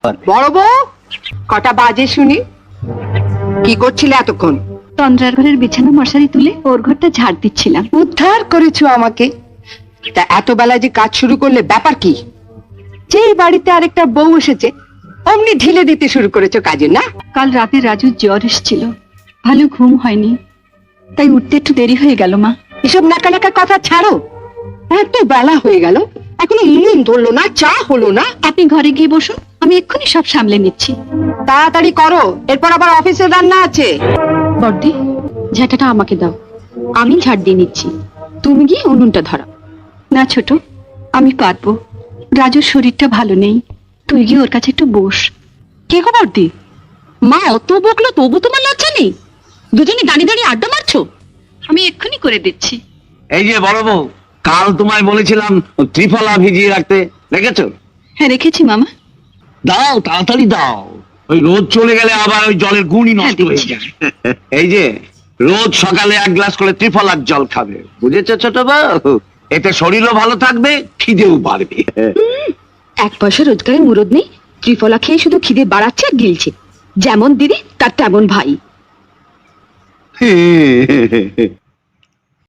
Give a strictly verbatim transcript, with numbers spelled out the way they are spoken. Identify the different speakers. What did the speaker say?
Speaker 1: বড় বউ, কটা বাজে শুনি? কি করছিলে এতক্ষণ?
Speaker 2: তন্দ্রার ঘরের বিছানা মশারি তুলে ওর ঘরটা ঝাড় দিচ্ছিলাম।
Speaker 1: উদ্ধার করেছো আমাকে। তা এত বেলায় যে কাজ শুরু করলে ব্যাপার কি? যে বাড়িতে আরেকটা বউ এসেছে অমনি ঢিলে দিতে শুরু করেছো কাজে, না?
Speaker 2: কাল রাতে রাজুর জ্বর এসেছিল, ভালো ঘুম হয়নি, তাই উঠতে একটু দেরি হয়ে গেল মা।
Speaker 1: এসব নাকা নাকা কথা ছাড়ো। এত বেলা হয়ে গেল এখনো নুন ধরলো না, চা হলো না।
Speaker 2: আপনি ঘরে গিয়ে বসুন, আমি এক্ষুনি সব সামলে নিচ্ছি।
Speaker 1: তাড়াতাড়ি করো, এরপর আবার অফিসে রান্না আছে।
Speaker 2: বড়দি, ঝাঁটাটা আমাকে দাও, আমি ঝাড় দিয়ে নিচ্ছি। তুমি গিয়ে উনুনটা ধরো। না ছোট, আমি পারবো। রাজুর শরীরটা ভালো নেই, তুই গিয়ে ওর কাছে একটু বস।
Speaker 1: কে গো বর্দি, মা অত বকলো তবু তোমার লজ্জা নেই? দুজনে দাঁড়িয়ে দাঁড়িয়ে আড্ডা মারছো।
Speaker 2: আমি এক্ষুনি করে দিচ্ছি।
Speaker 3: এই যে বড় বউ, কাল তোমায় বলেছিলাম ত্রিফলা ভিজিয়ে রাখতে, রেখেছো?
Speaker 2: হ্যাঁ রেখেছি মামা।
Speaker 3: দাও, তাড়াতাড়ি দাও, ওই রোদ চলে গেলে আবার ওই জলের গুণই নষ্ট
Speaker 2: হ্যাঁ,
Speaker 3: হয়ে
Speaker 2: দিচ্ছি।
Speaker 3: যায়। এই যে রোজ সকালে এক গ্লাস করে ত্রিফলার জল খাবে, বুঝেছো ছোট বউ? এতে শরীরও ভালো থাকবে, খিদেও বাড়বে।
Speaker 2: এক পয়সা রোজগারের মুরদ নেই, ত্রিফলা খেয়ে শুধু খিদে বাড়াচ্ছে আর গিলছে। যেমন দিদি তার তেমন ভাই।